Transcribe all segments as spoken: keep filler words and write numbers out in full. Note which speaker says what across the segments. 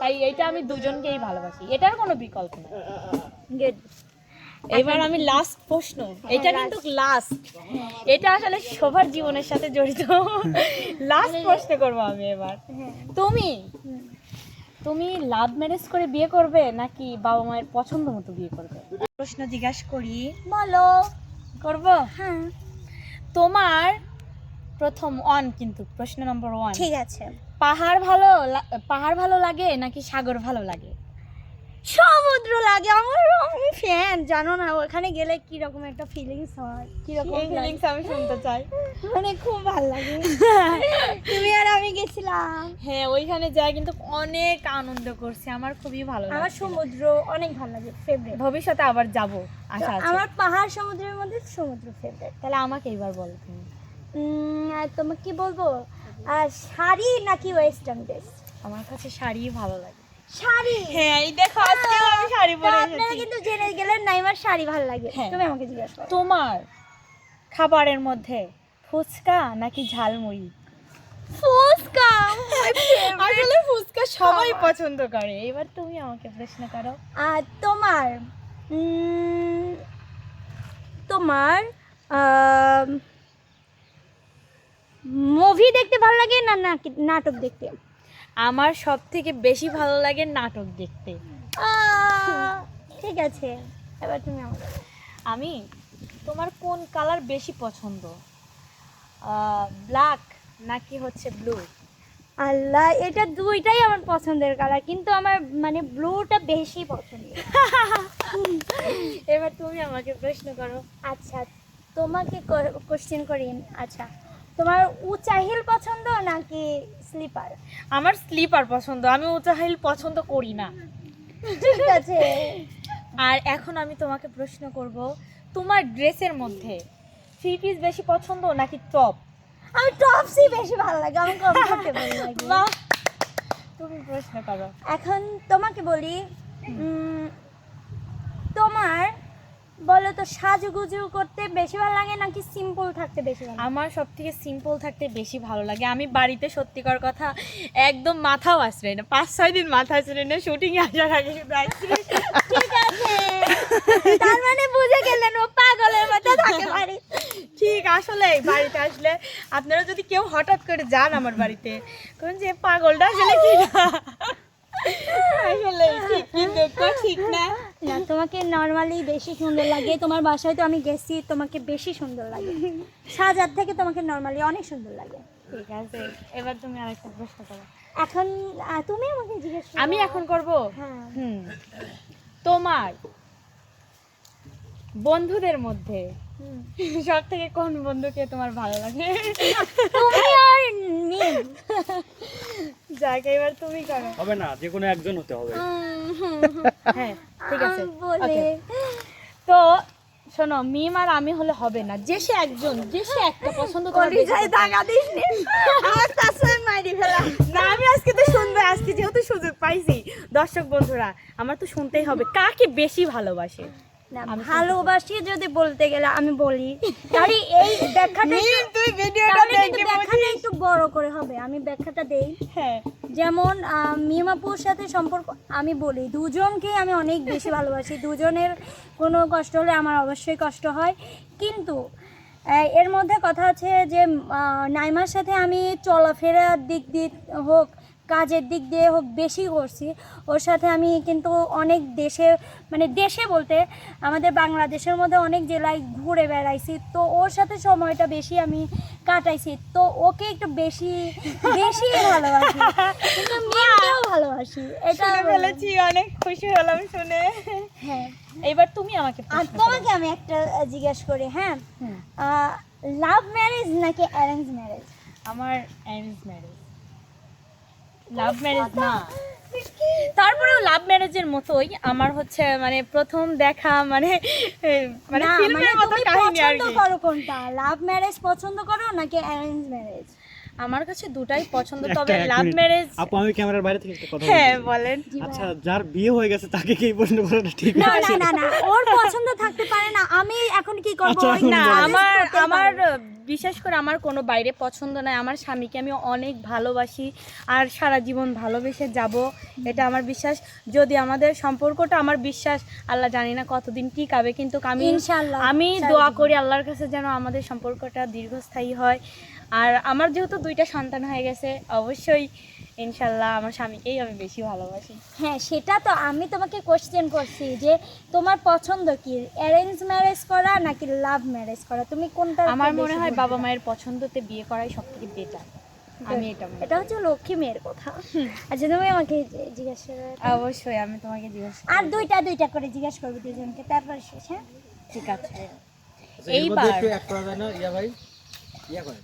Speaker 1: তাই এটা আমি দুজনকেই ভালোবাসি, এটার কোনো বিকল্প নেই।
Speaker 2: গুড।
Speaker 1: এবার আমি লাস্ট প্রশ্ন, এটা কিন্তু লাস্ট, এটা আসলে সবার জীবনের সাথে জড়িত। লাস্ট প্রশ্ন করবো আমি এবার। তুমি তুমি লাভ ম্যারেজ করে বিয়ে করবে নাকি বাবা মায়ের পছন্দ মতো বিয়ে করবে? প্রশ্ন জিজ্ঞাসা করি,
Speaker 2: বলো।
Speaker 1: করব?
Speaker 2: হ্যাঁ
Speaker 1: তোমার প্রথম ওয়ান, কিন্তু প্রশ্ন নম্বর ওয়ান,
Speaker 2: ঠিক আছে।
Speaker 1: পাহাড় ভালো লা- পাহাড় ভালো লাগে নাকি সাগর ভালো লাগে?
Speaker 2: সমুদ্র লাগে আমার, আমি ফ্যান, জানো না ওখানে গেলে কি রকম একটা ফিলিংস হয়, কি রকম
Speaker 1: ফিলিংস আমি শুনতে চাই।
Speaker 2: মানে খুব ভালো লাগে। তুমি আর আমি গেছিলাম,
Speaker 1: হ্যাঁ, ওইখানে যাই কিন্তু অনেক আনন্দ করছি, আমার খুবই ভালো লাগে।
Speaker 2: আমার সমুদ্র অনেক ভালো লাগে, ফেভারিট।
Speaker 1: ভবিষ্যতে আবার যাব আশা আছে।
Speaker 2: আমার পাহাড় সমুদ্রের মধ্যে সমুদ্র ফেভারিট।
Speaker 1: তাহলে আমাকে এবার বলো তুমি।
Speaker 2: আর তোমাকে কি বলবো, আর শাড়ি নাকি ওয়েস্টার্ন ড্রেস?
Speaker 1: আমার কাছে শাড়ি ভালো লাগে।
Speaker 2: শাড়ি।
Speaker 1: হ্যাঁ, এই দেখো আজকে আমি শাড়ি পরে
Speaker 2: আপনারা
Speaker 1: এসেছি।
Speaker 2: কিন্তু জেনে গেলেন নাইমার শাড়ি ভালো লাগে।
Speaker 1: হ্যাঁ।
Speaker 2: তুমি আমাকে জিজ্ঞাসা করো।
Speaker 1: তোমার খাবারের মধ্যে ফুচকা নাকি ঝালমুড়ি?
Speaker 2: ফুচকা।
Speaker 1: আসলে ফুচকা সবাই পছন্দ করে। এবার তুমি আমাকে প্রশ্ন করো।
Speaker 2: আর তোমার উম, তোমার মুভি দেখতে ভালো লাগে না নাকি নাটক দেখতে?
Speaker 1: আমার সব থেকে বেশি ভালো লাগে নাটক দেখতে।
Speaker 2: আহ, ঠিক আছে, এবার তুমি আমাকে।
Speaker 1: আমি, তোমার কোন কালার বেশি পছন্দ, ব্ল্যাক নাকি হচ্ছে ব্লু?
Speaker 2: আল্লাহ, এটা দুইটাই আমার পছন্দের কালার, কিন্তু আমার মানে ব্লুটা বেশি পছন্দ।
Speaker 1: এবার তুমি আমাকে প্রশ্ন করো।
Speaker 2: আচ্ছা, তোমাকে কোশ্চেন করি। আচ্ছা, তোমার উঁচা হিল পছন্দ নাকি স্লিপার?
Speaker 1: আমার স্লিপার পছন্দ, আমি উঁচা হিল পছন্দ করি না।
Speaker 2: ঠিক আছে।
Speaker 1: আর এখন আমি তোমাকে প্রশ্ন করব, তোমার ড্রেসের মধ্যে থ্রি পিস বেশি পছন্দ নাকি টপ?
Speaker 2: আমি টপসই বেশি ভালো লাগে, আমার কমফোর্টেবল লাগে।
Speaker 1: বাহ, তুমি প্রশ্ন করো।
Speaker 2: এখন তোমাকে বলি, উম, তোমার বলো তো, সাজুগুজু করতে বেশি ভালো লাগে নাকি সিম্পল থাকতে বেশি ভালো লাগে?
Speaker 1: আমার সব থেকে সিম্পল থাকতে বেশি ভালো লাগে। আমি বাড়িতে সত্যিকার কথা একদম মাথাও আশ্রয় না, পাঁচ ছয় দিন মাথা আশ্রয় না, শুটিং এ আসার আগে শুধু আইসক্রিম।
Speaker 2: ঠিক আছে, তার মানে বুঝে গেলেন ও পাগলের মতো থাকে বাড়ি।
Speaker 1: ঠিক, আসলে বাড়িতে আসলে আপনারা যদি কেউ হঠাৎ করে যান আমার বাড়িতে, কোন যে পাগলটা আসলে কি না, আসলে ঠিক কিন্তু তো ঠিক না।
Speaker 2: না, তোমাকে নর্মালি বেশি সুন্দর লাগে, তোমার বাসায় তো আমি গেছি, তোমাকে বেশি সুন্দর লাগে, সাজার থেকে তোমাকে নর্মালি অনেক সুন্দর লাগে।
Speaker 1: ঠিক আছে, এবার তুমি আরেকটা প্রশ্ন করো।
Speaker 2: এখন আহ, তুমি আমাকে জিজ্ঞেস করো।
Speaker 1: আমি এখন করব।
Speaker 2: হ্যাঁ।
Speaker 1: হুম, তোমার বন্ধুদের মধ্যে
Speaker 2: হুম।
Speaker 1: সব থেকে কোন বন্ধুকে তোমার ভালো লাগে?
Speaker 2: তুমি আর নীল।
Speaker 1: যাক, এবার তুমি করো।
Speaker 3: হবে না, যে কোনো একজন হতে হবে।
Speaker 1: হ্যাঁ, ঠিক আছে,
Speaker 2: আম বলে।
Speaker 1: Okay. তো শোনো, মিম আর আমি হলে হবে না, যে সে একজন, যে সে একটা পছন্দ তোমার বেশি
Speaker 2: কলিজায়
Speaker 1: পছন্দ।
Speaker 2: দাগা দিস নি, আমার তাসের মাইরি ফেলা।
Speaker 1: না, আমি আজকে তো শুনবে, আজকে যেহেতু সুযোগ পাইছি, দর্শক বন্ধুরা আমার তো শুনতেই হবে কাকে বেশি ভালোবাসে।
Speaker 2: না,
Speaker 1: আমি
Speaker 2: ভালোবাসি যদি বলতে গেলে আমি বলি, আরে এই ব্যাখ্যাটা
Speaker 1: মিম, তুই ভিডিওটা
Speaker 2: তাহলে কিন্তু
Speaker 1: দেখে
Speaker 2: ব্যাখ্যাটা
Speaker 1: বুঝিস।
Speaker 2: একটু বড় করে হবে, আমি ব্যাখ্যাটা দেই।
Speaker 1: হ্যাঁ,
Speaker 2: যেমন আহ, মিমাপুর সাথে সম্পর্ক আমি বলি, দুজনকে আমি অনেক বেশি ভালোবাসি, দুজনের কোনো কষ্ট হলে আমার অবশ্যই কষ্ট হয়, কিন্তু আহ, এর মধ্যে কথা আছে যে আহ, নাইমার সাথে আমি চলাফেরার দিক দিয়ে হোক, কাজের দিক দিয়ে হোক বেশি করছি, ওর সাথে আমি কিন্তু অনেক দেশে, মানে দেশে বলতে আমাদের বাংলাদেশের মধ্যে অনেক জেলায় ঘুরে বেড়াইছি, তো ওর সাথে সময়টা বেশি আমি কাটাইছি, তো ওকে একটু বেশি বেশি ভালোবাসি, কিন্তু মেয়েকেও ভালোবাসি, এটা
Speaker 1: শুনে ফেলেছি, অনেক খুশি হলাম শুনে।
Speaker 2: হ্যাঁ।
Speaker 1: এবার তুমি আমাকে
Speaker 2: আর
Speaker 1: প্রশ্ন করো।
Speaker 2: তোমাকে আমি একটা জিজ্ঞেস করি, হ্যাঁ,
Speaker 1: হুম,
Speaker 2: লাভ ম্যারেজ নাকি অ্যারেঞ্জ ম্যারেজ?
Speaker 1: আমার অ্যারেঞ্জ ম্যারেজ, লাভ ম্যারেজ না। তারপরেও লাভ ম্যারেজের মতোই আমার হচ্ছে, মানে প্রথম দেখা, মানে এ, মানে
Speaker 2: না,
Speaker 1: ফিল্মের
Speaker 2: মানে
Speaker 1: মতো
Speaker 2: তুমি
Speaker 1: কাহিনী আর
Speaker 2: পছন্দ
Speaker 1: কি।
Speaker 2: করো কোনটা, লাভ ম্যারেজ পছন্দ করো নাকি অ্যারেঞ্জ ম্যারেজ?
Speaker 1: আমার কাছে দুটাই পছন্দ,
Speaker 3: একটা,
Speaker 1: তবে
Speaker 3: এক
Speaker 1: লাভ
Speaker 3: মিনিট।
Speaker 1: ম্যারেজ।
Speaker 3: আপু আমি ক্যামেরার বাইরে থেকে একটা কথা
Speaker 1: হ্যাঁ
Speaker 3: বলছি।
Speaker 1: বলেন।
Speaker 3: আচ্ছা যার বিয়ে হয়ে গেছে তাকে কি এই প্রশ্ন করাটা ঠিক
Speaker 2: না
Speaker 3: আছে?
Speaker 2: না না না ওর পছন্দ থাকতে পারে না, আমি এখন কি করব?
Speaker 3: আচ্ছা,
Speaker 2: ওই
Speaker 3: এখন
Speaker 1: না
Speaker 3: বলেন।
Speaker 1: আমার
Speaker 2: করতেই
Speaker 1: আমার
Speaker 2: পারে।
Speaker 1: বিশেষ করে আমার কোনো বাইরে পছন্দ নাই। আমার স্বামীকে আমি অনেক ভালোবাসি আর সারা জীবন ভালোবেসে যাব, এটা আমার বিশ্বাস। যদি আমাদের সম্পর্কটা, আমার বিশ্বাস আল্লাহ জানি না কতদিন টিকাবে, কিন্তু আমি
Speaker 2: ইনশাআল্লাহ
Speaker 1: আমি
Speaker 2: সারা
Speaker 1: দোয়া
Speaker 2: জীবন।
Speaker 1: করি আল্লাহর কাছে যেন আমাদের সম্পর্কটা দীর্ঘস্থায়ী হয়। আর আমার যেহেতু দুইটা সন্তান হয়ে গেছে, অবশ্যই ইনশাল্লাহ আমার স্বামীকেই আমি বেশি ভালোবাসি।
Speaker 2: হ্যাঁ সেটা তো আমি তোমাকে কোশ্চেন করছি যে তোমার পছন্দ কি, অ্যারেঞ্জ ম্যারেজ করা নাকি লাভ ম্যারেজ করা, তুমি কোনটা?
Speaker 1: আমার মনে হয় বাবা মায়ের পছন্দতে বিয়ে করাই সব থেকে বেটার। আমি এটা মনে
Speaker 2: এটা হচ্ছে লক্ষ্মী মেয়ের কথা। আচ্ছা তুমি আমাকে জিজ্ঞেস করো।
Speaker 1: করি। অবশ্যই আমি তোমাকে জিজ্ঞেস করব।
Speaker 2: আর দুইটা দুইটা করে জিজ্ঞেস করবো দুজনকে, তারপর শেষ। হ্যাঁ
Speaker 1: ঠিক আছে।
Speaker 4: আচ্ছা, এর মধ্যে
Speaker 1: এইবার
Speaker 4: একটু এক করা যায় না ইয়া ভাই? ইয়া করেন।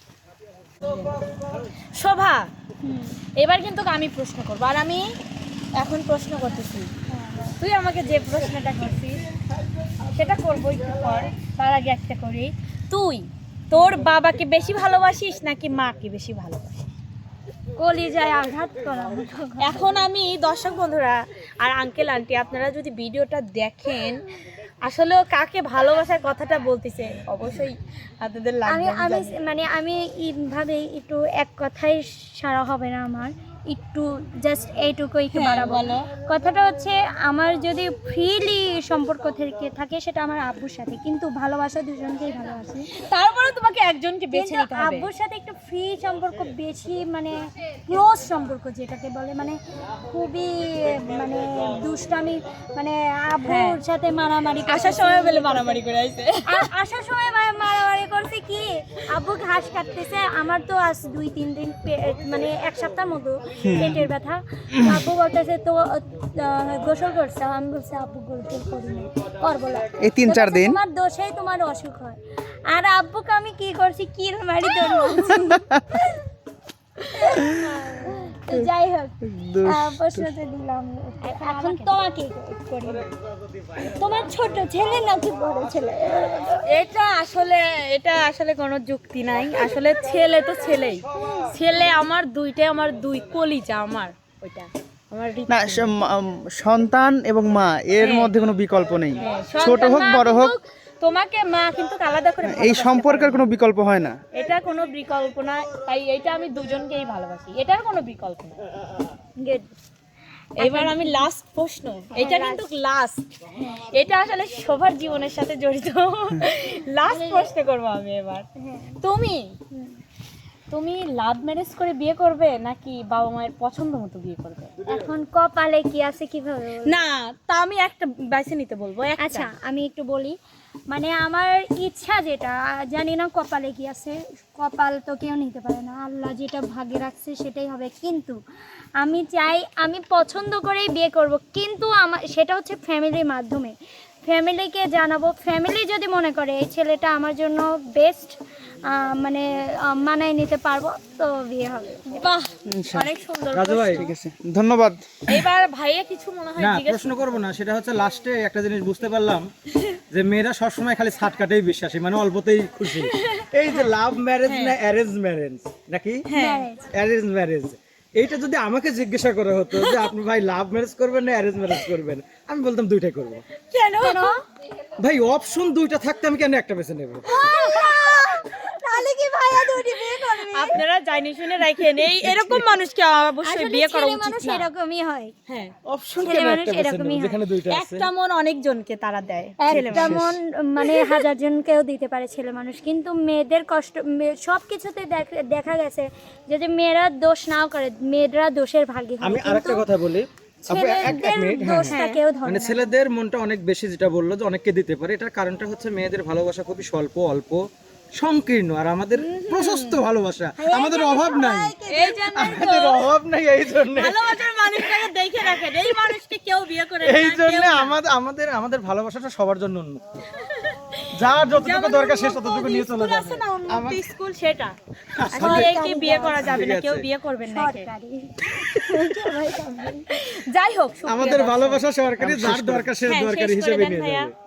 Speaker 1: শোভা, এবার কিন্তু আমি প্রশ্ন করবো, আর আমি এখন প্রশ্ন করতেছি। তুই আমাকে যে প্রশ্নটা করছিস সেটা করবো একটু পর, তার আগে একটা করি। তুই তোর বাবাকে বেশি ভালোবাসিস নাকি মাকে বেশি ভালোবাসিস?
Speaker 2: কলিজায় আঘাত করা।
Speaker 1: এখন আমি দর্শক বন্ধুরা আর আঙ্কেল আন্টি, আপনারা যদি ভিডিওটা দেখেন, আসলে ও কাকে ভালোবাসার কথাটা বলতেছে, অবশ্যই আপনাদের
Speaker 2: আমি
Speaker 1: লাগবে।
Speaker 2: আমি মানে আমি এইভাবে একটু এক কথাই সারা হবে না আমার, একটু জাস্ট এইটুকু একটু
Speaker 1: হ্যাঁ,
Speaker 2: বাড়াবো।
Speaker 1: বলো।
Speaker 2: কথাটা হচ্ছে আমার যদি ফ্রিলি সম্পর্ক থেকে থাকে সেটা আমার আব্বুর সাথে, কিন্তু ভালোবাসা দুজনকেই ভালোবাসি।
Speaker 1: তারপরে তোমাকে একজনকে বেছে
Speaker 2: কিন্তু
Speaker 1: নিতে হবে।
Speaker 2: আব্বুর সাথে একটু ফ্রি সম্পর্ক বেশি, মানে ক্লোজ সম্পর্ক যেটাকে বলে, মানে খুবই মানে দুষ্টামি, মানে আব্বুর সাথে মারামারি
Speaker 1: আসার
Speaker 2: করতেছি।
Speaker 1: সময় বলে মারামারি করে আইছে।
Speaker 2: আ- আসার সময় মা- মারামারি করছে কি, আব্বু ঘাস কাটতেছে, আমার তো আজ দুই তিন দিন পে- মানে এক সপ্তাহ মতো পেটের ব্যথা। আব্বু বলতেছে তো আহ, গোসল করছে, আমি বলছি আব্বু গোসল করি না, করবো না।
Speaker 5: এই তিন চার
Speaker 2: তো বলছে,
Speaker 5: দিন
Speaker 2: তোমার দোষেই তোমার অসুখ হয়। আর আব্বুকে আমি কি করছি, কির মারি তোর তো যাই হোক, আহ, প্রশ্নটা দিলাম। এখন তোমাকে করি, তোমার ছোট ছেলে নাকি বড় ছেলে?
Speaker 1: এটা আসলে এটা আসলে কোনো যুক্তি নাই। আসলে ছেলে তো ছেলেই, ছেলে আমার দুইটাই, আমার দুই কলিজা, আমার ওইটা আমার হৃদয়।
Speaker 5: না স- ম- উম, সন্তান এবং মা এর
Speaker 1: হ্যাঁ।
Speaker 5: মধ্যে কোনো বিকল্প নেই,
Speaker 1: হ্যাঁ,
Speaker 5: ছোট
Speaker 1: সন্তান
Speaker 5: হোক
Speaker 1: মা
Speaker 5: বড় হোক,
Speaker 1: কিন্তু তোমাকে মা কিন্তু আলাদা করে
Speaker 5: এই
Speaker 1: ভালোবাসতে
Speaker 5: সম্পর্কের
Speaker 1: পারে না।
Speaker 5: কোনো বিকল্প হয় না।
Speaker 1: এটা কোনো বিকল্প না, তাই এটা আমি দুজনকেই ভালোবাসি, এটার কোনো বিকল্প না।
Speaker 2: Good.
Speaker 1: এবার আমি লাস্ট প্রশ্ন, এটা কিন্তু লাস্ট, এটা আসলে সবার জীবনের সাথে জড়িত। লাস্ট প্রশ্ন করবো আমি এবার। তুমি তুমি লাভ ম্যারেজ করে বিয়ে করবে নাকি বাবা মায়ের পছন্দ মতো বিয়ে করবে?
Speaker 2: এখন কপালে কি আছে কিভাবে বলবো?
Speaker 1: না, তা আমি একটা বেছে নিতে বলবো। একটা।
Speaker 2: আচ্ছা আমি একটু বলি, মানে আমার ইচ্ছা যেটা, জানি না কপালে কি আছে, কপাল তো কেউ নিতে পারে না, আল্লাহ যেটা ভাগ্যে রাখছে সেটাই হবে। কিন্তু আমি চাই, আমি পছন্দ করেই বিয়ে করব, কিন্তু আমার সেটা হচ্ছে ফ্যামিলির মাধ্যমে, ফ্যামিলিকে জানাবো। ফ্যামিলি যদি মনে করে এই ছেলেটা আমার জন্য বেস্ট, মানে আহ, মানায় নিতে পারবো, তো বিয়ে হবে।
Speaker 1: বাহ,
Speaker 5: ইনশাআল্লাহ।
Speaker 1: অনেক সুন্দর
Speaker 4: রাজু ভাই,
Speaker 1: প্রশ্ন।
Speaker 5: ঠিক আছে, ধন্যবাদ।
Speaker 1: এবার ভাইয়া কিছু মনে হয়
Speaker 4: না
Speaker 1: জিজ্ঞেস
Speaker 4: প্রশ্ন করবো না, সেটা হচ্ছে লাস্টে একটা জিনিস বুঝতে পারলাম যে মেয়েরা সবসময় খালি ছাটকাটেই বিশ্বাসী, মানে অল্পতেই খুশি। এই যে লাভ ম্যারেজ না অ্যারেঞ্জ ম্যারেজ নাকি
Speaker 2: Marriage।
Speaker 4: অ্যারেঞ্জ ম্যারেজ, এইটা যদি আমাকে জিজ্ঞাসা করা হতো যে আপনি ভাই লাভ ম্যারেজ করবেন না অ্যারেঞ্জ ম্যারেজ করবেন, আমি বলতাম দুইটাই করবো।
Speaker 1: কেন?
Speaker 4: ভাই অপশন দুইটা থাকতে আমি কেন একটা বেছে নেব?
Speaker 2: তাহলে কি ভাইয়া দুটি বিয়ে করবে?
Speaker 1: আপনারা জানি শুনে রাখেন, এই এরকম মানুষকে অবশ্যই
Speaker 2: আসলে
Speaker 1: বিয়ে করা
Speaker 2: ছেলে
Speaker 1: উচিত
Speaker 2: মানুষ
Speaker 1: না।
Speaker 2: এরকমই হয়,
Speaker 1: হ্যাঁ,
Speaker 4: অপশন
Speaker 2: ছেলে
Speaker 4: কেন
Speaker 2: মানুষ
Speaker 4: একটা বেছে
Speaker 2: এরকমই
Speaker 4: নেব
Speaker 2: হয়।
Speaker 4: যেখানে দুইটা আছে?
Speaker 1: একটা মন অনেকজনকে তারা দেয়। ছেলে
Speaker 2: একটা
Speaker 1: মানুষ।
Speaker 2: মন মানে হাজার জনকেও দিতে পারে ছেলে মানুষ, কিন্তু মেয়েদের কষ্ট সব কিছুতে দেখা গেছে যদি মেয়েরা দোষ নাও করে, মেয়েরা দোষের ভাগী হয়,
Speaker 4: আমি আরেকটা
Speaker 2: কিন্তু
Speaker 4: কথা বলি আপু, এক- এক
Speaker 2: ছেলেদের
Speaker 4: মিনিট, হ্যাঁ,
Speaker 2: দোষটা
Speaker 4: হ্যাঁ।
Speaker 2: কেউ ধরে
Speaker 4: মানে
Speaker 2: না।
Speaker 4: ছেলেদের মনটা অনেক বেশি, যেটা বললো যে অনেককে দিতে পারে, এটার কারণটা হচ্ছে মেয়েদের ভালোবাসা খুবই স্বল্প, অল্প, সংকীর্ণ, আর আমাদের প্রশস্ত ভালোবাসা, আমাদের অভাব নাই,
Speaker 1: এই জন্যই তো
Speaker 4: আমাদের অভাব নাই, এই জন্য
Speaker 1: ভালোবাসার মানুষটাকে দেখে রাখেন, এই মানুষকে কেউ বিয়ে করে না,
Speaker 4: এই
Speaker 1: কেউ
Speaker 4: জন্য
Speaker 1: না।
Speaker 4: আমাদের আমাদের আমাদের ভালোবাসাটা সবার জন্য উন্মুক্ত, যার যতটুকু
Speaker 1: যেমন
Speaker 4: দরকার সে
Speaker 1: উন্মুক্ত
Speaker 4: ততটুকু নিয়ে চলে
Speaker 1: স্কুল
Speaker 4: যাবে।
Speaker 1: আছে না, উন্মুক্ত
Speaker 4: আমার-
Speaker 1: স্কুল, সেটা আসলে একে বিয়ে করা যাবে না,
Speaker 4: ঠিক
Speaker 1: কেউ
Speaker 4: আছে।
Speaker 1: বিয়ে করবেন না একে।
Speaker 2: সরকারি সবাই করবে।
Speaker 1: যাই হোক, সুপ্রিয়
Speaker 4: আমাদের
Speaker 1: দর্শক।
Speaker 4: ভালোবাসা সরকারি, যার দরকার সে
Speaker 1: হ্যাঁ,
Speaker 4: দরকারি
Speaker 1: শেষ করে
Speaker 4: হিসেবে
Speaker 1: দেন
Speaker 4: নিয়ে
Speaker 1: ভাইয়া।
Speaker 4: যাবে।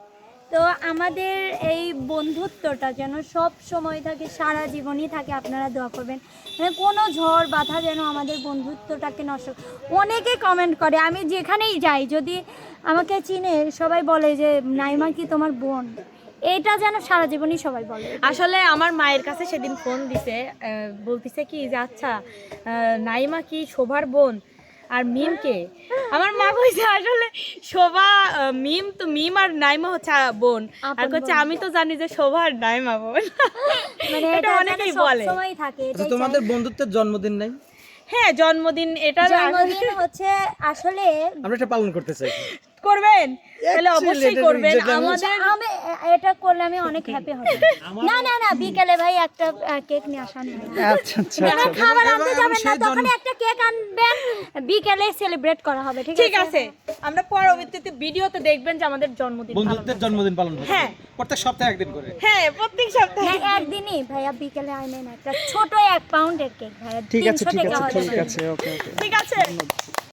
Speaker 2: তো আমাদের এই বন্ধুত্বটা যেন সব সময় থাকে, সারা জীবনই থাকে, আপনারা দোয়া করবেন। মানে কোনো ঝড় বাধা যেন আমাদের বন্ধুত্বটাকে নষ্ট। অনেকে কমেন্ট করে, আমি যেখানেই যাই যদি আমাকে চিনে সবাই বলে যে নাইমা কি তোমার বোন, এটা যেন সারা জীবনই সবাই বলে।
Speaker 1: আসলে আমার মায়ের কাছে সেদিন ফোন দিছে, আহ, বলতেছে কি যে আচ্ছা আহ, নাইমা কি শোভার বোন আর মিমকে? আমার মা কইছে আসলে শোভা আহ, মিম তো মিম আর নাইমা হচ্ছে আহ, বোন, আর কইছে আমি তো জানি যে শোভা আর নাইমা বোন।
Speaker 2: মানে
Speaker 1: এটা
Speaker 2: এটা
Speaker 1: অনেকেই
Speaker 2: সব
Speaker 1: বলে।
Speaker 2: সময় থাকে।
Speaker 4: আচ্ছা,
Speaker 2: এটাই
Speaker 4: তোমাদের
Speaker 2: চাই।
Speaker 4: বন্ধুত্বের জন্মদিন নাই?
Speaker 1: হ্যাঁ, জন্মদিন এটা
Speaker 2: জন্মদিন হচ্ছে আসলে
Speaker 4: আমরা এটা পালন করতে চাই।
Speaker 1: করবেন, তাহলে
Speaker 4: Actually,
Speaker 1: অবশ্যই
Speaker 4: এটা
Speaker 1: করবেন।
Speaker 4: যেটা আমি-
Speaker 1: আমাদের
Speaker 2: আমি এটা করলে আমি অনেক হ্যাপি হব। না না না, বিকেলে ভাই একটা কেক নিয়ে আসান।
Speaker 5: আচ্ছা আচ্ছা
Speaker 2: মানে খাবার
Speaker 4: এবং-
Speaker 2: আনতে
Speaker 4: এবং
Speaker 2: যাবেন না,
Speaker 4: সেই
Speaker 2: তখন
Speaker 4: জন্ম-
Speaker 2: একটা কেক আনবেন, বিকেলে সেলিব্রেট করা হবে। ঠিক
Speaker 1: ঠিক আছে, আমরা পরবর্তীতে ভিডিওতে দেখবেন যে আমাদের জন্মদিন পালন
Speaker 4: বন্ধুত্বের জন্মদিন পালন করতে
Speaker 1: হ্যাঁ।
Speaker 4: প্রত্যেক সপ্তাহে একদিন করে।
Speaker 1: হ্যাঁ, প্রত্যেক সপ্তাহে।
Speaker 2: না, একদিনই ভাইয়া বিকেলে আনবেন একটা ছোট এক পাউন্ডের কেক ভাইয়া,
Speaker 5: ঠিক আছে
Speaker 2: তিনশো
Speaker 5: ঠিক
Speaker 2: টাকা
Speaker 5: আছে
Speaker 2: হলে
Speaker 5: ঠিক
Speaker 2: হবে।
Speaker 5: আছে ওকে ওকে
Speaker 1: ঠিক আছে।